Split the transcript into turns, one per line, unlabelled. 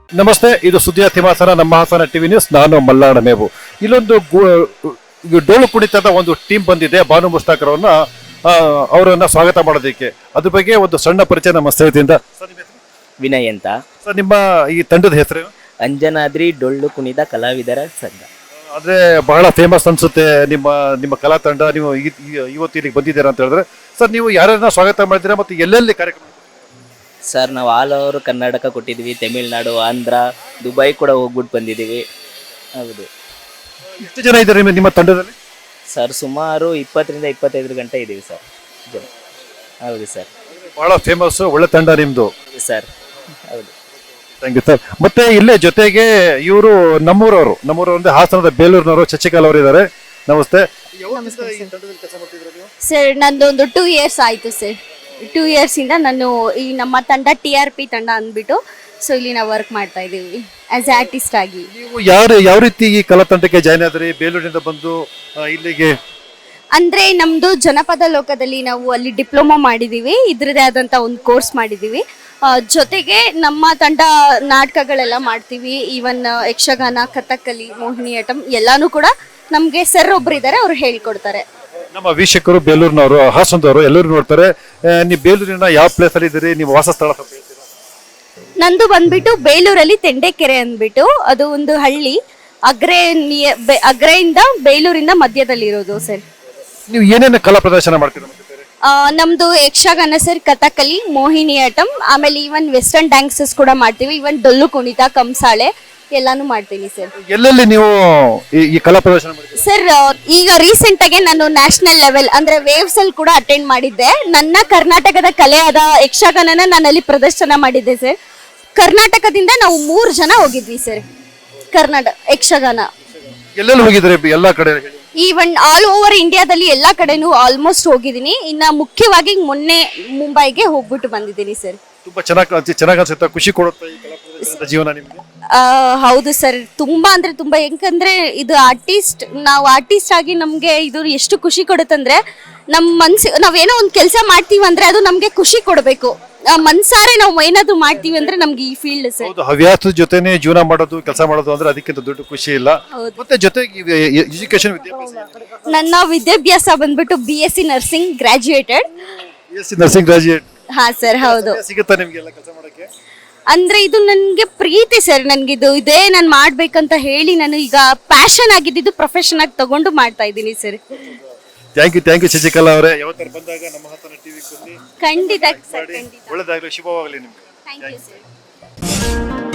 ನಮಸ್ತೆ, ಇದು ಸುದ್ದಿಯ ತಿಮಾಸನ ನಮ್ಮ ಹಾಸನ ಟಿವಿ ನ್ಯೂಸ್. ನಾನು ಮಲ್ಲಾಡ ಮೇವು. ಇಲ್ಲೊಂದು ಡೋಳು ಕುಣಿತದ ಒಂದು ಟೀಮ್ ಬಂದಿದೆ. ಬಾನು ಮುಸ್ತಾಕರ್ ಅವರನ್ನ ಸ್ವಾಗತ ಮಾಡೋದಕ್ಕೆ. ಅದ್ರ ಬಗ್ಗೆ ಒಂದು ಸಣ್ಣ ಪರಿಚಯ ನಮ್ಮ ಸ್ಥಳದಿಂದ.
ವಿನಯ್ ಅಂತ.
ಸರ್, ನಿಮ್ಮ ಈ ತಂಡದ ಹೆಸರು?
ಅಂಜನಾದ್ರಿ ಡೊಳ್ಳು ಕುಣಿದ ಕಲಾವಿದರ ಸಂಘ.
ಅಂದ್ರೆ ಬಹಳ ಫೇಮಸ್ ಅನ್ಸುತ್ತೆ ನಿಮ್ಮ ನಿಮ್ಮ ಕಲಾ ತಂಡ. ನೀವು ಇವತ್ತು ಇಲ್ಲಿಗೆ ಬಂದಿದ್ದೀರಾ ಅಂತ ಹೇಳಿದ್ರೆ, ಸರ್ ನೀವು ಯಾರನ್ನ ಸ್ವಾಗತ ಮಾಡಿದ್ದೀರಾ ಮತ್ತು ಎಲ್ಲೆಲ್ಲಿ ಕಾರ್ಯಕ್ರಮ?
ಸರ್, ನಾವು ಆಲ್ ಓವರ್ ಕರ್ನಾಟಕ ಕೊಟ್ಟಿದ್ದೀವಿ. ತಮಿಳ್ನಾಡು, ಆಂಧ್ರ, ದುಬೈ ಕೂಡ ಹೋಗ್ಬಿಟ್ಟು ಬಂದಿದ್ದೀವಿ. ಹೌದು.
ಎಷ್ಟು ಜನ ಇದ್ದಾರೆ ನಿಮ್ಮ ತಂಡದಲ್ಲಿ?
ಸರ್, ಸುಮಾರು 20ರಿಂದ 25 ಗಂಟೆ ಇದ್ದೀವಿ ಸರ್ ಜನ. ಹೌದು ಸರ್.
ಬಹಳ ಫೇಮಸ್, ಒಳ್ಳೆ ತಂಡ ನಿಮ್ದು.
ಸರ್, ಹೌದು.
Thank you sir. ಮತ್ತೆ ಇಲ್ಲೇ ಜೊತೆಗೆ ಇವರು ನಮ್ಮೂರವರು ಅಂದ್ರೆ ಹಾಸನದ ಬೇಲೂರಿನವರು ಶಶಿಕಲಾ ಅವರು ಇದ್ದಾರೆ. ನಮಸ್ತೆ.
ಸರ್, ನಂದೊಂದು 2 years ಆಯಿತು ಸರ್. 2 years ಇಂದ ನಾನು ಈ ನಮ್ಮ ತಂಡ TRP ತಂಡ ಅಂದ್ಬಿಟ್ಟು ಸೊ ಇಲ್ಲಿ ನಾವು ವರ್ಕ್ ಮಾಡ್ತಾ ಇದ್ದೀವಿ ಆಸ್ ಆರ್ಟಿಸ್ಟ್ ಆಗಿ.
ನೀವು ಯಾವ ರೀತಿ ಈ ಕಲಾ ತಂಡಕ್ಕೆ ಜಾಯ್ನ್ ಆದ್ರಿ? ಬೇಲೂರಿನಿಂದ ಬಂದು ಇಲ್ಲಿಗೆ?
ಅಂದ್ರೆ ನಮ್ದು ಜನಪದ ಲೋಕದಲ್ಲಿ ನಾವು ಅಲ್ಲಿ ಡಿಪ್ಲೊಮಾ ಮಾಡಿದೀವಿ. ಇದ್ರದೇ ಆದಂತ ಒಂದು ಕೋರ್ಸ್ ಮಾಡಿದೀವಿ. ಜೊತೆಗೆ ನಮ್ಮ ತಂಡ ನಾಟಕಗಳೆಲ್ಲ ಮಾಡ್ತೀವಿ. ಈವನ್ ಯಕ್ಷಗಾನ, ಕಥಕ್ಕಲಿ, ಮೋಹಿನಿಯಾಟ್ಟಂ ಎಲ್ಲಾನು ಕೂಡ ನಮ್ಗೆ ಸರ್ ಒಬ್ರು ಇದ್ದಾರೆ, ಅವ್ರು ಹೇಳ್ಕೊಡ್ತಾರೆ.
ನಮ್ಮ ವೀಕ್ಷಕರು ಬೇಲೂರಿನವರು, ಹಾಸನದವರು ಎಲ್ಲರೂ ನೋಡ್ತಾರೆ. ನೀವು ಬೇಲೂರಿನ ಯಾವ ಪ್ಲೇಸ್ ಅಲ್ಲಿ ಇದ್ದೀರಿ? ನಿಮ್ಮ ವಾಸ ಸ್ಥಳ ಸ್ವಲ್ಪ ಹೇಳ್ತೀರಾ?
ನಂದು ಬಂದ್ಬಿಟ್ಟು ಬೇಲೂರಲ್ಲಿ ತೆಂಡೆಕೆರೆ ಅಂದ್ಬಿಟ್ಟು, ಅದು ಒಂದು ಹಳ್ಳಿ. ಅಗ್ರೆಯಿಂದ ಬೇಲೂರಿಂದ ಮಧ್ಯದಲ್ಲಿ ಇರೋದು ಸರ್.
ನೀವು ಏನೇನು ಕಲಾ ಪ್ರದರ್ಶನ ಮಾಡ್ತೀರಾ?
ನಮ್ದು ಯಕ್ಷಗಾನ ಸರ್, ಕಥಕ್ಕಲಿ, ಮೋಹಿನಿಯಾಟ್ಟಂ, ಆಮೇಲೆ ಈವನ್ ವೆಸ್ಟರ್ನ್ ಡ್ಯಾನ್ಸಸ್ ಕೂಡ ಮಾಡ್ತೀವಿ. ಈವನ್ ಡೊಳ್ಳು ಕುಣಿತ, ಕಂಸಾಳೆ ಎಲ್ಲಾನು ಮಾಡ್ತೀನಿ ಸರ್.
ಎಲ್ಲೆಲ್ಲಿ ನೀವು ಈ ಕಲಾ ಪ್ರದರ್ಶನ ಮಾಡ್ತೀರಾ?
ಸರ್, ಈಗ ರೀಸೆಂಟ್ ಆಗಿ ನಾನು ನ್ಯಾಷನಲ್ ಲೆವೆಲ್ ಅಂದ್ರೆ ವೇವ್ಸ್ ಅಲ್ಲಿ ಕೂಡ ಅಟೆಂಡ್ ಮಾಡಿದ್ದೆ. ನನ್ನ ಕರ್ನಾಟಕದ ಕಲೆಯಾದ ಯಕ್ಷಗಾನನ ನಾನು ಅಲ್ಲಿ ಪ್ರದರ್ಶನ ಮಾಡಿದ್ದೆ ಸರ್. ಕರ್ನಾಟಕದಿಂದ ನಾವು 3 ಜನ ಹೋಗಿದ್ವಿ ಸರ್. ಕರ್ನಾಟಕ ಯಕ್ಷಗಾನ
ಎಲ್ಲೆಲ್ಲಿ ಹೋಗಿದ್ರೆ? ಎಲ್ಲಾ ಕಡೆ
ಈವನ್ ಆಲ್ ಓವರ್ ಇಂಡಿಯಾದಲ್ಲಿ ಎಲ್ಲಾ ಕಡೆನೂ ಆಲ್ಮೋಸ್ಟ್ ಹೋಗಿದ್ದೀನಿ. ಇನ್ನ ಮುಖ್ಯವಾಗಿ ಮೊನ್ನೆ ಮುಂಬೈಗೆ ಹೋಗ್ಬಿಟ್ಟು ಬಂದಿದ್ದೀನಿ ಸರ್.
ತುಂಬಾ ಚೆನ್ನಾಗಿ ಅನ್ಸುತ್ತೆ, ಖುಷಿ ಕೊಡುತ್ತೆ ಈ ಕಲಾ ಪ್ರದರ್ಶನದ ಜೀವನ ನಿಮ್ಗೆ?
ಹೌದು ಸರ್, ತುಂಬಾ ಅಂದ್ರೆ ತುಂಬಾ. ಯಾಕಂದ್ರೆ ಇದು ನಾವು ಆರ್ಟಿಸ್ಟ್ ಆಗಿ ನಮ್ಗೆ ಇದು ಎಷ್ಟು ಖುಷಿ ಕೊಡುತ್ತಂದ್ರೆ, ನಮ್ಮ ಮನ್ಸಿಗೆ ನಾವೇನೋ ಒಂದು ಕೆಲಸ ಮಾಡ್ತೀವಿ ಅಂದ್ರೆ ಅದು ನಮ್ಗೆ ಖುಷಿ ಕೊಡಬೇಕು. ಮನ್ಸಾರೆ ನಾವು ಏನಾದ್ರು ಮಾಡ್ತೀವಿ ಅಂದ್ರೆ ನಮ್ಗೆ ಈ ಫೀಲ್ಡ್ ಸರ್.
ಹೌದು, ಹವ್ಯಾಸದ ಜೊತೆನೆ ಜೀವನ ಮಾಡೋದು, ಕೆಲಸ ಮಾಡೋದು ಅಂದ್ರೆ ಅದಕ್ಕಿಂತ ದೊಡ್ಡ ಖುಷಿ ಇಲ್ಲ. ಮತ್ತೆ ಜೊತೆಗೆ ಎಜುಕೇಶನ್, ವಿದ್ಯಾಭ್ಯಾಸ?
ನನ್ನ ವಿದ್ಯಾಭ್ಯಾಸ ಬಂದ್ಬಿಟ್ಟು BSc nursing graduated.
Nursing graduate?
ಹಾ ಸರ್, ಹೌದು.
ಸಿಗುತ್ತಾ ನಿಮ್ಗೆ ಎಲ್ಲ ಕೆಲಸ ಮಾಡಕ್ಕೆ?
ಅಂದ್ರೆ ಇದು ನನ್ಗೆ ಪ್ರೀತಿ ಸರ್. ನನ್ಗಿದು ಇದೇ ನಾನು ಮಾಡ್ಬೇಕಂತ ಹೇಳಿ ನಾನು ಈಗ ಪ್ಯಾಷನ್ ಆಗಿದ್ದು ಪ್ರೊಫೆಷನ್ ಆಗಿ ತಗೊಂಡು ಮಾಡ್ತಾ ಇದ್ದೀನಿ ಸರ್.
ಥ್ಯಾಂಕ್ ಯು ಶಶಿಕಲಾ ಅವರೇ. ಯಾವತ್ತಾರು ಬಂದಾಗ ನಮ್ಮ ಹಾಸನ ಟಿವಿ
ಖಂಡಿತ ಸರ್, ಖಂಡಿತ.
ಒಳ್ಳೆದಾಗಲಿ, ಶುಭವಾಗಲಿ ನಿಮ್ಗೆ.
Thank you sir.